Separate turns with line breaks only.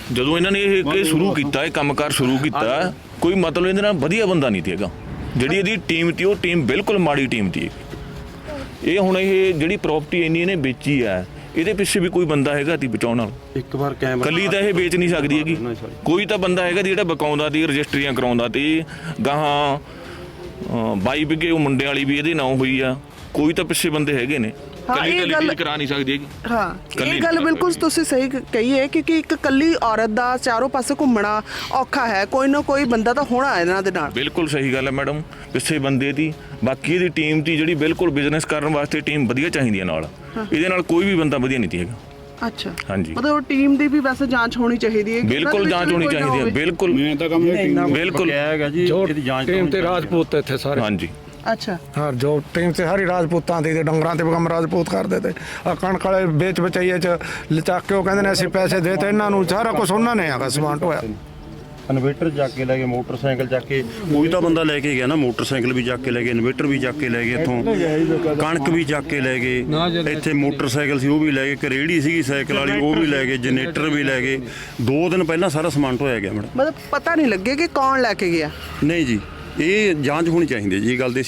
ਜਦੋਂ ਇਹਨਾਂ ਨੇ ਇਹ ਸ਼ੁਰੂ ਕੀਤਾ, ਇਹ ਕੰਮਕਾਰ ਸ਼ੁਰੂ ਕੀਤਾ, ਕੋਈ ਮਤਲਬ ਇਹਦੇ ਨਾਲ ਵਧੀਆ ਬੰਦਾ ਨਹੀਂ ਸੀ ਹੈਗਾ। ਜਿਹੜੀ ਇਹਦੀ ਟੀਮ ਸੀ ਉਹ ਟੀਮ ਬਿਲਕੁਲ ਮਾੜੀ ਟੀਮ ਸੀ। ਇਹ ਹੁਣ ਇਹ ਜਿਹੜੀ ਪ੍ਰਾਪਰਟੀ ਇੰਨੀ ਇਹਨੇ ਵੇਚੀ ਹੈ, ਇਹਦੇ ਪਿੱਛੇ ਵੀ ਕੋਈ ਬੰਦਾ ਹੈਗਾ ਤੀ ਬਚਾਉਣ ਨਾਲ।
ਇੱਕ ਵਾਰ ਕੈਮਰਾ
ਕੱਲੀ ਤਾਂ ਇਹ ਵੇਚ ਨਹੀਂ ਸਕਦੀ ਹੈਗੀ, ਕੋਈ ਤਾਂ ਬੰਦਾ ਹੈਗਾ ਜਿਹੜਾ ਬਕਾਉਂਦਾ ਤੀ, ਰਜਿਸਟਰੀਆਂ ਕਰਾਉਂਦਾ ਤੀ। ਗਾਹਾਂ 22 ਵਿਗੇ ਉਹ ਮੁੰਡੇ ਵਾਲੀ ਵੀ ਇਹਦੇ ਨਾਂ ਹੋਈ ਆ, ਕੋਈ ਤਾਂ ਪਿੱਛੇ ਬੰਦੇ ਹੈਗੇ ਨੇ। ਕੱਲੀ ਤਾਂ ਲੀਗਲ ਕਰਾ ਨਹੀਂ ਸਕਦੀ ਹੈਗੀ।
ਹਾਂ, ਇਹ ਗੱਲ ਬਿਲਕੁਲ ਤੁਸੀਂ ਸਹੀ ਕਹੀ ਹੈ, ਕਿਉਂਕਿ ਇੱਕ ਕੱਲੀ ਔਰਤ ਦਾ ਚਾਰੋਂ ਪਾਸੇ ਘੁੰਮਣਾ ਔਖਾ ਹੈ। ਕੋਈ ਨਾ ਕੋਈ ਬੰਦਾ ਤਾਂ ਹੋਣਾ ਇਹਨਾਂ ਦੇ ਨਾਲ।
ਬਿਲਕੁਲ ਸਹੀ ਗੱਲ ਹੈ ਮੈਡਮ, ਪਿੱਛੇ ਬੰਦੇ ਦੀ। ਬਾਕੀ ਇਹਦੀ ਟੀਮ ਦੀ ਜਿਹੜੀ ਬਿਲਕੁਲ ਬਿਜ਼ਨਸ ਕਰਨ ਵਾਸਤੇ ਟੀਮ ਵਧੀਆ ਚਾਹੀਦੀ ਹੈ ਨਾਲ। ਇਹਦੇ ਨਾਲ ਕੋਈ ਵੀ ਬੰਦਾ ਵਧੀਆ ਨਹੀਂ ਹੈਗਾ।
ਅੱਛਾ,
ਹਾਂਜੀ,
ਮਤਲਬ ਟੀਮ ਦੀ ਵੀ ਵੈਸੇ ਜਾਂਚ ਹੋਣੀ ਚਾਹੀਦੀ ਹੈ।
ਬਿਲਕੁਲ ਜਾਂਚ ਹੋਣੀ ਚਾਹੀਦੀ ਹੈ। ਬਿਲਕੁਲ
ਮੈਂ ਤਾਂ ਕੰਮ
ਬਿਲकुल
ਹੈਗਾ ਜੀ, ਇਹਦੀ ਜਾਂਚ
ਟੀਮ ਤੇ ਰਾਜਪੂਤ ਇੱਥੇ ਸਾਰੇ।
ਹਾਂਜੀ,
ਅੱਛਾ,
ਹਾਂ, ਜੋ ਟੀਮ ਤੇ ਸਾਰੀ ਰਾਜਪੂਤਾਂ ਦੀ ਤੇ ਡੰਗਰਾਂ ਤੇ ਕੰਮ ਰਾਜਪੂਤ ਕਰਦੇ ਤੇ। ਆ ਕਣਕ ਵਾਲੇ ਵੇਚ ਬਚਾਈਏ ਚ ਲਚਾਕ ਕੇ ਉਹ ਕਹਿੰਦੇ ਨੇ ਅਸੀਂ ਪੈਸੇ ਦੇ ਤੇ ਇਹਨਾਂ ਨੂੰ, ਸਾਰਾ ਕੁਝ ਉਹਨਾਂ ਨੇ ਹੈਗਾ ਸਮਾਨ ਢੋਇਆ।
ਇਨਵੇਟਰ ਚੱਕ ਕੇ ਲੈ ਗਏ, ਮੋਟਰਸਾਈਕਲ ਚੱਕ ਕੇ, ਕੋਈ ਤਾਂ ਬੰਦਾ ਲੈ ਕੇ ਗਿਆ ਨਾ, ਮੋਟਰਸਾਈਕਲ ਵੀ ਚੱਕ ਕੇ ਲੈ ਗਏ, ਇਨਵੇਟਰ ਵੀ ਚੱਕ ਕੇ ਲੈ ਗਏ, ਇੱਥੋਂ ਕਣਕ ਵੀ ਚੱਕ ਕੇ ਲੈ ਗਏ, ਇੱਥੇ ਮੋਟਰਸਾਈਕਲ ਸੀ ਉਹ ਵੀ ਲੈ ਗਏ, ਇੱਕ ਰੇਹੜੀ ਸੀਗੀ ਸਾਈਕਲ ਵਾਲੀ ਉਹ ਵੀ ਲੈ ਗਏ, ਜਨਰੇਟਰ ਵੀ ਲੈ ਗਏ। 2 ਦਿਨ ਪਹਿਲਾਂ ਸਾਰਾ ਸਮਾਨ ਢੋਇਆ ਗਿਆ ਮੈਡਮ।
ਮਤਲਬ ਪਤਾ ਨਹੀਂ ਲੱਗੇ ਕਿ ਕੌਣ ਲੈ ਕੇ ਗਿਆ।
ਨਹੀਂ ਜੀ, ਇਹ ਜਾਂਚ ਹੋਣੀ ਚਾਹੀਦੀ ਹੈ ਜੀ, ਇਹ ਗੱਲ ਦੀ